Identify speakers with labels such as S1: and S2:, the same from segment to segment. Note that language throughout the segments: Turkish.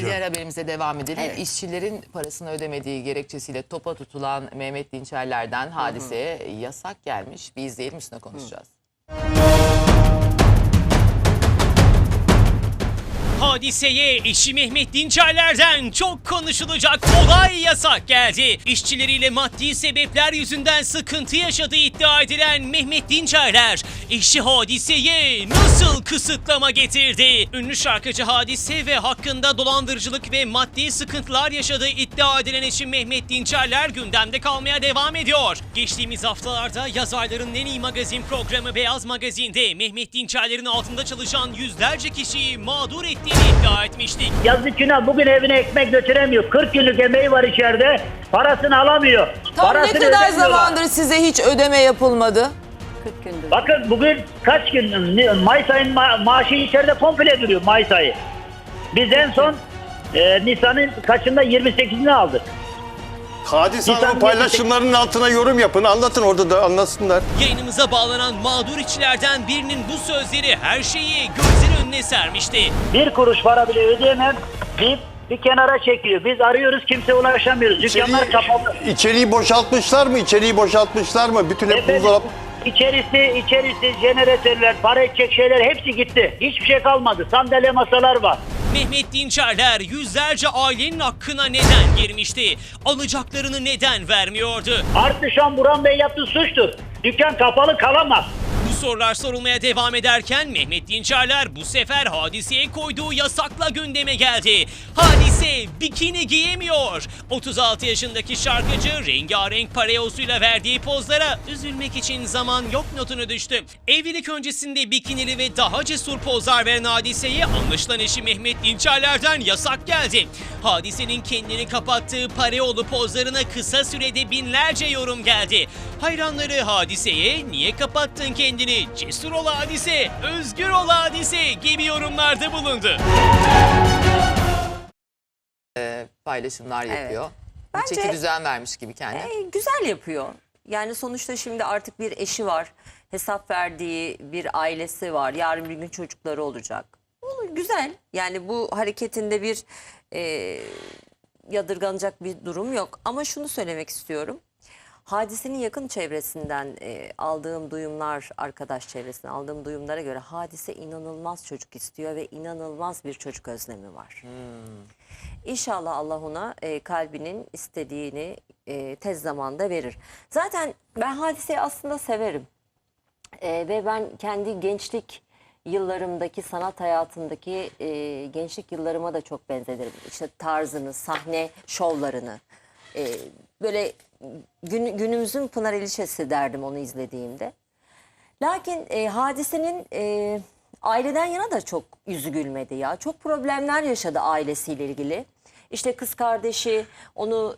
S1: Diğer haberimize devam edelim.
S2: Evet.
S1: İşçilerin parasını ödemediği gerekçesiyle topa tutulan Mehmet Dinçerler'den hadiseye yasak gelmiş. Bir izleyelim, üstüne konuşacağız.
S3: Hadiseye eşi Mehmet Dinçerler'den çok konuşulacak olay yasak geldi. İşçileriyle maddi sebepler yüzünden sıkıntı yaşadığı iddia edilen Mehmet Dinçerler, eşi Hadise'ye nasıl kısıtlama getirdi? Ünlü şarkıcı Hadise ve hakkında dolandırıcılık ve maddi sıkıntılar yaşadığı iddia edilen eşi Mehmet Dinçerler gündemde kalmaya devam ediyor. Geçtiğimiz haftalarda yazarların en iyi magazin programı Beyaz Magazin'de Mehmet Dinçerler'in altında çalışan yüzlerce kişiyi mağdur ettiğini iddia etmiştik.
S4: Yazık günah, bugün evine ekmek götüremiyor. 40 günlük emeği var içeride. Parasını alamıyor.
S1: Tam
S4: Parasını
S1: ne kadar
S4: ödemiyorlar.
S1: zamandır size hiç ödeme yapılmadı?
S2: 40 gündür.
S4: Bakın bugün kaç gün? Mayıs ayın maaşı içeride komple duruyor, Mayıs ayı. Biz en son Nisan'ın kaçında 28'ini aldık.
S5: Hadise Hanım'ın paylaşımlarının altına yorum yapın. Anlatın, orada da anlatsınlar.
S3: Yayınımıza bağlanan mağdur işçilerden birinin bu sözleri her şeyi gözler önüne sermişti.
S4: Bir kuruş para bile ödeyemem deyip bir kenara çekiyor. Biz arıyoruz, kimseye ulaşamıyoruz. Dükkanlar kapalı.
S5: İçeriği boşaltmışlar mı? İçeriği boşaltmışlar mı? Bütün hep buzdolabı.
S4: İçerisi, jeneratörler, para edecek şeyler hepsi gitti. Hiçbir şey kalmadı. Sandalye, masalar var.
S3: Mehmet Dinçerler yüzlerce ailenin hakkına neden girmişti? Alacaklarını neden vermiyordu?
S4: Artı şu an Burhan Bey yaptığı suçtur. Dükkan kapalı kalamaz.
S3: Bu sorular sorulmaya devam ederken Mehmet Dinçerler bu sefer Hadise'ye koyduğu yasakla gündeme geldi. Hadise bikini giyemiyor. 36 yaşındaki şarkıcı rengarenk parayosuyla verdiği pozlara üzülmek için zaman yok notunu düştü. Evlilik öncesinde bikinili ve daha cesur pozlar veren Hadise'ye anlaşılan eşi Mehmet Dinçerler'den yasak geldi. Hadise'nin kendini kapattığı parayolu pozlarına kısa sürede binlerce yorum geldi. Hayranları Hadise'ye "Niye kapattın kendini? Cesur ol Hadise, özgür ol Hadise" gibi yorumlarda bulundu.
S1: Paylaşımlar yapıyor. Bir
S2: Bence-
S1: çeki düzen vermiş gibi kendine.
S2: Güzel yapıyor. Yani sonuçta şimdi artık bir eşi var. Hesap verdiği bir ailesi var. Yarın bir gün çocukları olacak. Güzel. Yani bu hareketinde bir yadırganacak bir durum yok. Ama şunu söylemek istiyorum. Hadisenin yakın çevresinden aldığım duyumlar, arkadaş çevresinden aldığım duyumlara göre Hadise inanılmaz çocuk istiyor ve inanılmaz bir çocuk özlemi var. İnşallah Allah ona kalbinin istediğini tez zamanda verir. Zaten ben Hadise'yi aslında severim. Ve ben kendi gençlik yıllarımdaki, sanat hayatındaki gençlik yıllarıma da çok benzederim. İşte tarzını, sahne şovlarını. Böyle günümüzün Pınar İlişesi derdim onu izlediğimde. Lakin Hadise'nin aileden yana da çok yüzü gülmedi ya. Çok problemler yaşadı ailesiyle ilgili. İşte kız kardeşi onu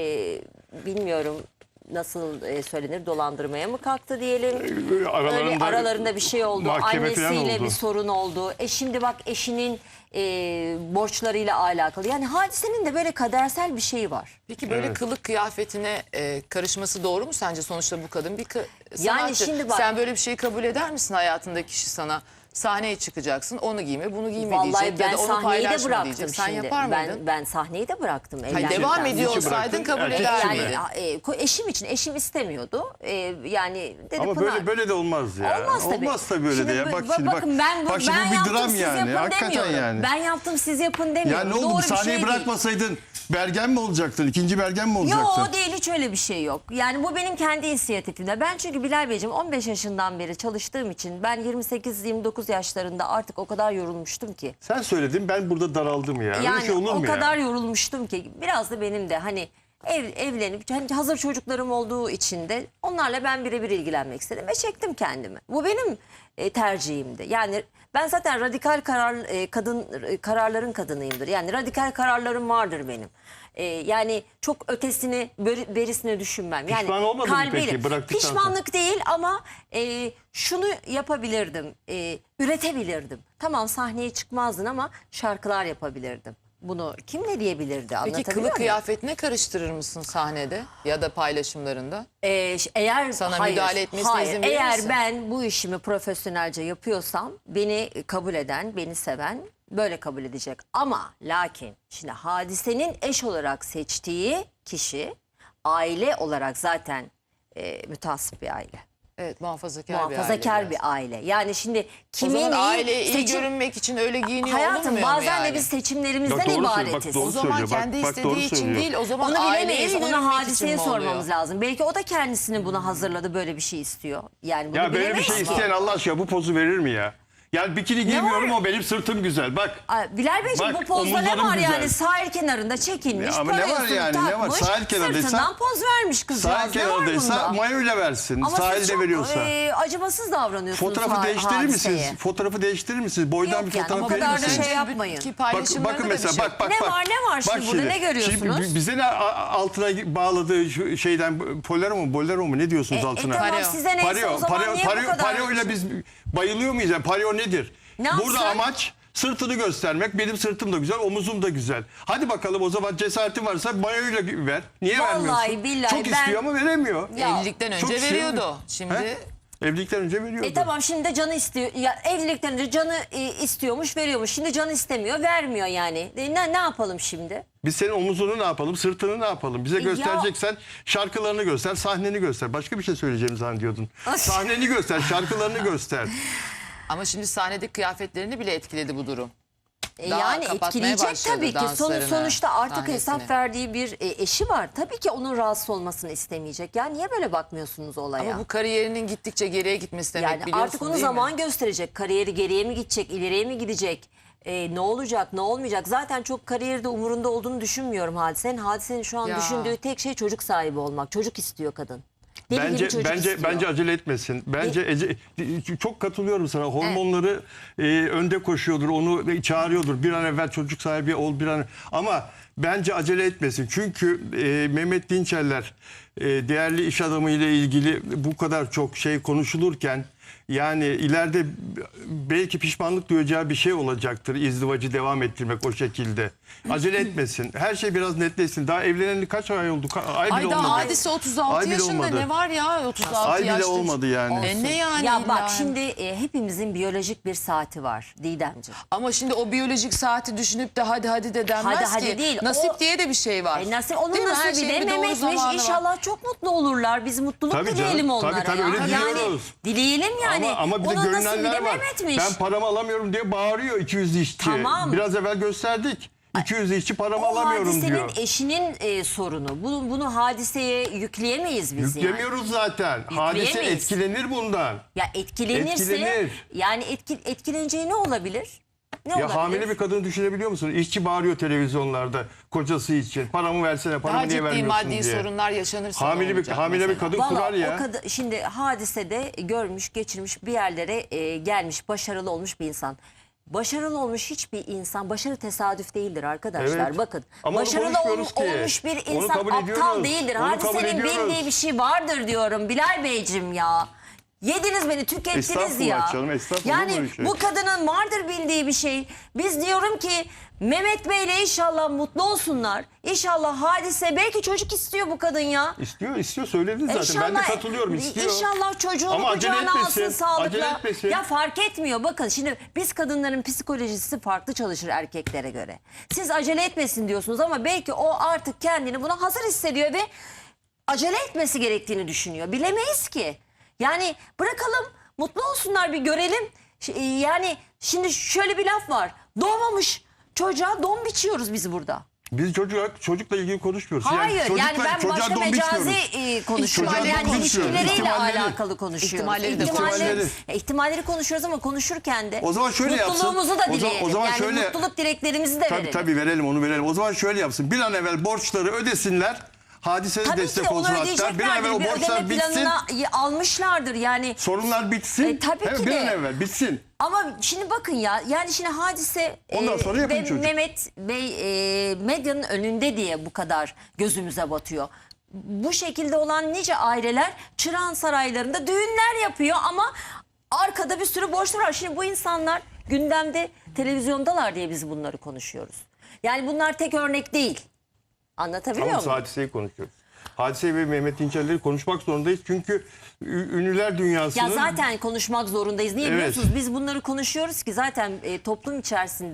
S2: bilmiyorum nasıl söylenir, dolandırmaya mı kalktı diyelim. Öyle aralarında bir şey oldu. Annesiyle
S5: oldu.
S2: bir sorun oldu. Şimdi bak eşinin borçlarıyla alakalı. Yani Hadise'nin de böyle kadersel bir şeyi var.
S1: Peki böyle kılık kıyafetine karışması doğru mu sence? Sonuçta bu kadın bir sanatçı.
S2: Yani şimdi bak-
S1: Sen böyle bir şeyi kabul eder misin, hayatındaki kişi sana sahneye çıkacaksın, onu giyme, bunu giyme
S2: Vallahi
S1: diyecek
S2: ben
S1: ya da onu
S2: sahneyi de
S1: paylaşma
S2: bıraktım
S1: diyecek. Sen
S2: şimdi.
S1: yapar mıydın?
S2: Ben sahneyi de bıraktım.
S1: Hayır,
S2: evlendikten
S1: devam
S2: sonra.
S1: ediyor
S5: Niçin
S1: olsaydın
S5: bıraktın?
S1: kabul
S5: Erkek
S1: eder
S5: için
S1: miydin?
S2: Eşim için, eşim istemiyordu. Yani dedi
S5: Ama
S2: Pınar.
S5: böyle de olmaz ya.
S2: Olmaz tabii.
S5: Olmaz tabii öyle
S2: Şimdi
S5: de ya. Bak
S2: bakın,
S5: şimdi bak. Bak şimdi
S2: ben
S5: bu bir
S2: yaptım,
S5: dram
S2: siz
S5: yani.
S2: yapın
S5: Hakikaten
S2: demiyorum.
S5: yani.
S2: Ben yaptım, siz yapın
S5: Ya
S2: demiyorum.
S5: ne oldu?
S2: Doğru
S5: Bu
S2: bir şey
S5: sahneyi
S2: değil.
S5: bırakmasaydın Bergen mi olacaktın? İkinci Bergen mi olacaktın?
S2: Yok, değil, hiç öyle bir şey yok. Yani bu benim kendi inisiyatifimde. Ben çünkü Bilal Beyciğim 15 yaşından beri çalıştığım için ben 28-29 yaşlarında artık o kadar yorulmuştum ki.
S5: Sen söyledin, ben burada daraldım ya. Öyle
S2: Yani
S5: şey olur mu
S2: o
S5: ya?
S2: kadar yorulmuştum ki biraz da benim de hani evlenip hani hazır çocuklarım olduğu için de onlarla ben birebir ilgilenmek istedim ve çektim kendimi. Bu benim tercihimdi. Yani ben zaten radikal kararların kadınıyımdır. Yani radikal kararlarım vardır benim. Yani çok ötesini berisini düşünmem. Yani
S5: Pişman olmadın mı peki bıraktıktan sonra?
S2: Pişmanlık değil ama şunu yapabilirdim. Üretebilirdim. Tamam, sahneye çıkmazdın ama şarkılar yapabilirdim. Bunu kim ne diyebilirdi?
S1: Peki
S2: Anlatabiliyor
S1: kılık
S2: muyum?
S1: kıyafetine karıştırır mısın sahnede ya da paylaşımlarında?
S2: Eğer
S1: Sana müdahale etmesine izin verir
S2: eğer
S1: misin?
S2: ben bu işimi profesyonelce yapıyorsam beni kabul eden, beni seven böyle kabul edecek. Ama lakin şimdi Hadise'nin eş olarak seçtiği kişi aile olarak zaten müteassıp bir aile.
S1: Evet, muhafazakar,
S2: Muhafazakar
S1: bir aile.
S2: bir aile. Yani şimdi
S1: O
S2: kimin
S1: zaman aileye iyi
S2: seçim-
S1: görünmek için öyle giyiniyor
S2: Hayatım
S1: olmuyor mu
S2: bazen
S1: yani?
S2: de biz seçimlerimizden
S5: Ya doğru söylüyor, bak
S2: ibaretiz.
S5: doğru
S1: O zaman
S5: söylüyor. Bak,
S1: kendi
S5: bak,
S1: istediği
S5: doğru
S1: için
S5: söylüyor.
S1: değil, o zaman
S2: Onu
S1: aileye
S2: bilemeyiz.
S1: iyi
S2: Onu
S1: görünmek
S2: Hadise'ye
S1: için mi oluyor?
S2: sormamız lazım. Belki o da kendisini buna hazırladı, böyle bir şey istiyor. Yani bunu
S5: Ya böyle bir
S2: bilemeyiz
S5: şey
S2: ki.
S5: isteyen Allah aşkına bu pozu verir mi ya? Yani bikini giymiyorum, o benim sırtım güzel. Bak.
S2: Bilal Beyciğim,
S5: Bak,
S2: bu pozda ne
S5: omuzlarım
S2: var
S5: güzel.
S2: yani? Sahil kenarında çekilmiş,
S5: Ya ama ne var
S2: parasını
S5: yani, ne var?
S2: takmış,
S5: Sahil kenarındaysa-
S2: sırtından poz vermiş kızcağız.
S5: Sahil
S2: Ne var
S5: kenarındaysa
S2: bunda?
S5: mayoyla versin.
S2: Ama siz
S5: Sahilde
S2: çok
S5: veriyorsa.
S2: acımasız davranıyorsunuz
S5: Fotoğrafı değiştirir
S2: Hadiseye.
S5: misiniz? Fotoğrafı değiştirir misiniz? Boydan
S2: Yok
S5: bir
S2: yani,
S5: fotoğraf
S2: o
S5: verir
S2: kadar da
S5: misiniz?
S2: şey yapmayın.
S1: Ki
S5: Bak,
S1: paylaşımlarında
S5: bakın
S1: da
S5: mesela
S1: bir şey.
S5: bak.
S2: Ne var, ne var şimdi burada? Ne görüyorsunuz?
S5: Şimdi bize ne altına bağladığı şu şeyden bolero mu ne diyorsunuz altına?
S2: Tamam
S1: Pareo.
S2: size neyse o zaman niye bu kadar?
S5: Pareo ile biz bayılıyor muyuz? Yani pareo nedir?
S2: Ne
S5: Burada
S2: yapsın?
S5: amaç sırtını göstermek. Benim sırtım da güzel, omuzum da güzel. Hadi bakalım, o zaman cesaretin varsa mayoyla ver. Niye
S2: Vallahi
S5: vermiyorsun?
S2: billahi
S5: Çok
S2: ben-
S5: istiyor ama veremiyor.
S2: Ya,
S1: Evlilikten
S5: çok
S1: önce
S5: şey-
S1: veriyordu. Şimdi
S5: He? Evlilikten önce veriyordu.
S2: Tamam şimdi de canı istiyor. Ya evlilikten önce canı istiyormuş, veriyormuş. Şimdi canı istemiyor, vermiyor yani. Ne yapalım şimdi?
S5: Biz senin omuzunu ne yapalım, sırtını ne yapalım? Bize göstereceksen şarkılarını göster, sahneni göster. Başka bir şey söyleyeceğimi zannediyordun. Sahneni göster, şarkılarını göster.
S1: ama şimdi sahnedeki kıyafetlerini bile etkiledi bu durum. Daha
S2: Yani
S1: kapatmaya
S2: etkileyecek
S1: başladı
S2: tabii ki.
S1: danslarını,
S2: Sonuçta artık
S1: sahnesini.
S2: hesap verdiği bir eşi var. Tabii ki onun rahatsız olmasını istemeyecek. Ya niye böyle bakmıyorsunuz olaya?
S1: Ama bu kariyerinin gittikçe geriye gitmesi demek,
S2: Yani
S1: biliyorsun
S2: artık onu
S1: değil mi?
S2: zaman gösterecek. Kariyeri geriye mi gidecek, ileriye mi gidecek? Ne olacak, ne olmayacak? Zaten çok kariyerde umurunda olduğunu düşünmüyorum Hadise'nin. Hadise'nin şu an
S1: Ya.
S2: düşündüğü tek şey çocuk sahibi olmak. Çocuk istiyor kadın. Deli gibi çocuk istiyor.
S5: Bence acele etmesin. Çok katılıyorum sana. Hormonları önde koşuyordur, onu çağırıyordur. Bir an evvel çocuk sahibi ol, bir an. Ama bence acele etmesin. Çünkü Mehmet Dinçerler değerli iş adamı ile ilgili bu kadar çok şey konuşulurken, yani ileride belki pişmanlık duyacağı bir şey olacaktır izdivacı devam ettirmek o şekilde. Acele etmesin. Her şey biraz netleşsin. Daha evleneli kaç ay oldu? Ay bile
S1: Ay
S5: olmadı.
S1: daha Hadise 36
S5: Ay bile
S1: yaşında,
S5: olmadı.
S1: ne var ya 36
S5: Ay bile
S1: yaşta.
S5: olmadı yani.
S1: Ne yani
S2: Ya
S1: illa?
S2: bak şimdi hepimizin biyolojik bir saati var Didemciğim.
S1: Ama şimdi o biyolojik saati düşünüp de hadi de denmez
S2: Hadi
S1: ki.
S2: değil.
S1: Nasip
S2: O-
S1: diye de bir şey var.
S2: Onun
S1: Değil mi? Her
S2: nasibi
S1: şeyin
S2: de
S1: bir doğru
S2: Mehmet'miş.
S1: zamanı var.
S2: İnşallah çok mutlu olurlar. Biz mutluluk
S5: Tabii canım,
S2: dileyelim
S5: tabii,
S2: onlara.
S5: tabii,
S2: ya.
S5: öyle
S2: Yani
S5: diliyoruz.
S2: dileyelim yani.
S5: Ama bir de
S2: Onun nasibi de
S5: görünenler var.
S2: Mehmet'miş.
S5: Ben paramı alamıyorum diye bağırıyor 200 işçi.
S2: Tamam.
S5: Biraz evvel gösterdik. 200 işçi paramı
S2: O
S5: alamıyorum
S2: Hadise'nin
S5: diyor.
S2: eşinin sorunu. Bunu Hadiseye yükleyemeyiz biz yani.
S5: Yüklemiyoruz zaten. Hadise
S2: Yükleyemeyiz.
S5: etkilenir bundan.
S2: Ya etkilenirse
S5: Etkilenir.
S2: yani etkileneceği ne olabilir? Ne olabilir?
S5: Ya hamile bir kadını düşünebiliyor musun? İşçi bağırıyor televizyonlarda kocası için. Paramı versene, paramı
S1: Daha
S5: niye
S1: ciddi
S5: vermiyorsun
S1: maddi
S5: diye.
S1: sorunlar yaşanırsa ne
S5: Hamile
S1: olacak
S5: bir
S1: mesela?
S5: kadın
S2: Vallahi
S5: kurar ya.
S2: o kadar, şimdi Hadisede görmüş, geçirmiş, bir yerlere gelmiş, başarılı olmuş bir insan. Başarılı olmuş hiçbir insan, başarı tesadüf değildir arkadaşlar.
S5: Evet.
S2: Bakın,
S5: Ama onu
S2: başarılı
S5: konuşmuyoruz ki.
S2: olmuş bir
S5: Onu
S2: insan
S5: kabul
S2: aptal
S5: ediyoruz.
S2: değildir.
S5: Onu kabul
S2: Hadisenin
S5: ediyoruz.
S2: bildiği bir şey vardır diyorum Bilal Beyciğim ya. Yediniz beni, tükettiniz
S5: Estağfurullah
S2: ya.
S5: canım, estağfurullah,
S2: Yani
S5: böyle şey.
S2: bu kadının vardır bildiği bir şey. Biz diyorum ki Mehmet Bey'le inşallah mutlu olsunlar. İnşallah Hadise, belki çocuk istiyor bu kadın ya.
S5: İstiyor söyledi zaten. Ben de katılıyorum, istiyor.
S2: İnşallah çocuğunu
S5: Ama acele
S2: kucağına
S5: etmesin,
S2: alsın sağlıkla.
S5: acele etmesin.
S2: Ya fark etmiyor. Bakın şimdi biz kadınların psikolojisi farklı çalışır erkeklere göre. Siz acele etmesin diyorsunuz ama belki o artık kendini buna hazır hissediyor ve acele etmesi gerektiğini düşünüyor. Bilemeyiz ki. Yani bırakalım, mutlu olsunlar, bir görelim. Yani şimdi şöyle bir laf var. Doğmamış çocuğa don biçiyoruz biz burada.
S5: Biz çocukla ilgili konuşmuyoruz.
S2: Hayır
S5: çocukla-
S2: yani ben
S5: çocuğa
S2: başka
S5: don
S2: mecazi
S5: biçmiyoruz.
S2: konuşuyorum.
S5: Çocuğa
S2: Yani
S5: don konuşuyoruz.
S2: ilişkileriyle
S5: İhtimalleri.
S2: alakalı konuşuyoruz.
S1: İhtimalleri de
S2: İhtimalleri konuşuyoruz ama konuşurken de
S5: O zaman şöyle yapsın.
S2: mutluluğumuzu da
S5: O zaman-
S2: dileyelim.
S5: o zaman
S2: yani
S5: şöyle-
S2: mutluluk dileklerimizi de verelim.
S5: Tabii verelim, onu verelim. O zaman şöyle yapsın. Bir an evvel borçları ödesinler. Hadise de
S2: Tabii
S5: destek
S2: ki onu
S5: olsun hatta. Bir an evvel
S2: ödeyeceklerdir.
S5: o
S2: Bir
S5: borçlar
S2: ödeme
S5: bitsin.
S2: planına almışlardır yani.
S5: Sorunlar bitsin.
S2: Tabii
S5: Hemen
S2: ki
S5: bir
S2: de.
S5: an evvel bitsin.
S2: Ama şimdi bakın ya, yani şimdi Hadise
S5: Ondan sonra yapın
S2: ve
S5: çocuk.
S2: Mehmet Bey medyanın önünde diye bu kadar gözümüze batıyor. Bu şekilde olan nice aileler Çırağan saraylarında düğünler yapıyor ama arkada bir sürü borçlar var. Şimdi bu insanlar gündemde, televizyondalar diye biz bunları konuşuyoruz. Yani bunlar tek örnek değil. Anlatabiliyor
S5: Tamam,
S2: muyum?
S5: Hadise'yi konuşuyoruz. Hadise ve Mehmet Dinçerler'i konuşmak zorundayız. Çünkü ünlüler dünyasının...
S2: Ya zaten konuşmak zorundayız. Niye
S5: Evet.
S2: biliyorsunuz? Biz bunları konuşuyoruz ki zaten toplum içerisinde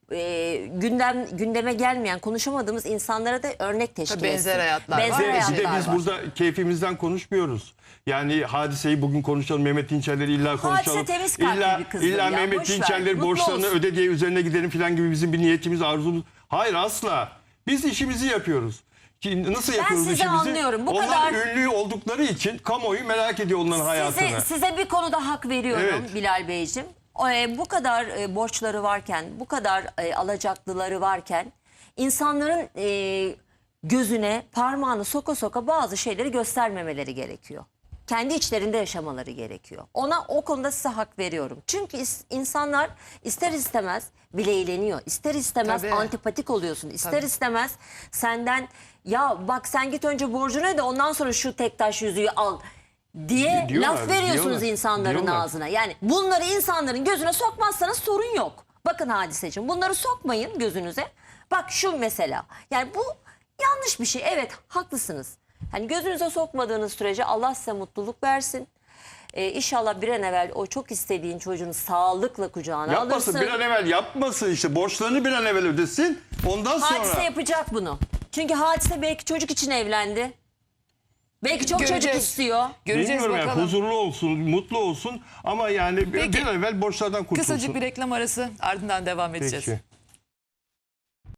S2: gündeme gelmeyen, konuşamadığımız insanlara da örnek teşkil
S1: Tabii benzer
S2: etsin.
S1: hayatlar var.
S2: Benzer
S5: Bir de
S2: hayatlar
S5: biz
S2: var.
S5: burada keyfimizden konuşmuyoruz. Yani Hadise'yi bugün konuşalım, Mehmet Dinçerler'i illa konuşalım.
S2: temiz kalpli
S5: İlla,
S2: bir kızdır
S5: illa
S2: ya,
S5: Mehmet
S2: boş ver,
S5: Dinçerler
S2: mutlu
S5: borçlarını
S2: olsun.
S5: öde diye üzerine gidelim falan gibi bizim bir niyetimiz, arzumuz. Hayır, asla. Biz işimizi yapıyoruz. Ki nasıl yapıyoruz
S2: sizi
S5: işimizi?
S2: anlıyorum. Bu
S5: onlar
S2: kadar-
S5: ünlü oldukları için kamuoyu merak ediyor onların hayatını.
S2: Size bir konuda hak veriyorum
S5: Evet.
S2: Bilal Beyciğim. Bu kadar borçları varken, bu kadar alacaklıları varken insanların gözüne parmağını soka soka bazı şeyleri göstermemeleri gerekiyor. Kendi içlerinde yaşamaları gerekiyor. O konuda size hak veriyorum. Çünkü insanlar ister istemez bileğleniyor. İster istemez
S1: Tabii.
S2: antipatik oluyorsun. İster
S1: Tabii.
S2: istemez senden ya bak sen git önce borcunu öde ondan sonra şu tek taş yüzüğü al diye
S5: Diyorlar,
S2: laf veriyorsunuz
S5: diyorlar,
S2: insanların
S5: diyorlar.
S2: ağzına. Yani bunları insanların gözüne sokmazsanız sorun yok. Bakın Hadiseciğim, bunları sokmayın gözünüze. Bak şu mesela, yani bu yanlış bir şey. Evet, haklısınız. Hani gözünüze sokmadığınız sürece Allah size mutluluk versin. İnşallah bir an evvel o çok istediğin çocuğunu sağlıkla kucağına
S5: Yapmasın,
S2: alırsın.
S5: bir an evvel yapmasın işte. Borçlarını bir an evvel ödesin. Ondan sonra...
S2: Hadise yapacak bunu. Çünkü Hadise belki çocuk için evlendi. Belki çok çocuk
S1: Göreceğiz.
S2: istiyor.
S1: Göreceğiz
S5: Bilmiyorum yani,
S1: bakalım.
S5: huzurlu olsun, mutlu olsun ama yani
S1: Peki.
S5: bir an evvel borçlardan kurtulsun.
S1: Kısacık bir reklam arası, ardından devam edeceğiz.
S5: Peki.